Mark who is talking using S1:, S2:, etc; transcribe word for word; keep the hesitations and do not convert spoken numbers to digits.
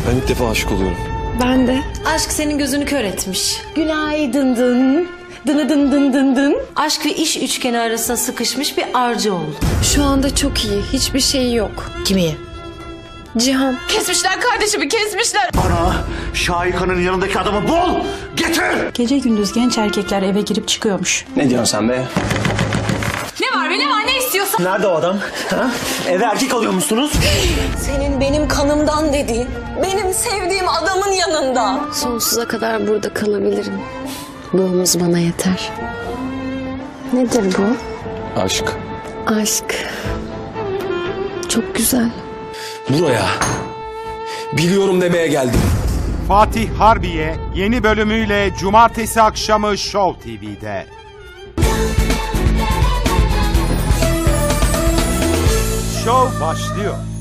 S1: Ben ilk defa aşık oluyorum.
S2: Ben de.
S3: Aşk senin gözünü kör etmiş.
S2: Günaydın dın. Dını dın dın dın dın.
S3: Aşk ve iş üçgeni arasında sıkışmış bir arıca oldu.
S2: Şu anda çok iyi. Hiçbir şeyi yok.
S3: Kimi?
S2: Cihan.
S4: Kesmişler kardeşimi, kesmişler.
S5: Bana Şahika'nın yanındaki adamı bul, getir!
S6: Gece gündüz genç erkekler eve girip çıkıyormuş.
S7: Ne diyorsun sen be?
S4: Ne var be, ne var, ne istiyorsun?
S7: Nerede o adam? Ha? Eve erkek alıyormuşsunuz.
S8: Senin benim kanımdan dediğin, benim sevdiğim adamın yanında.
S2: Sonsuza kadar burada kalabilirim. Doğumuz bana yeter. Nedir bu?
S1: Aşk.
S2: Aşk. Çok güzel.
S1: Buraya biliyorum demeye geldim.
S9: Fatih Harbiye yeni bölümüyle cumartesi akşamı Show T V'de. Show başlıyor.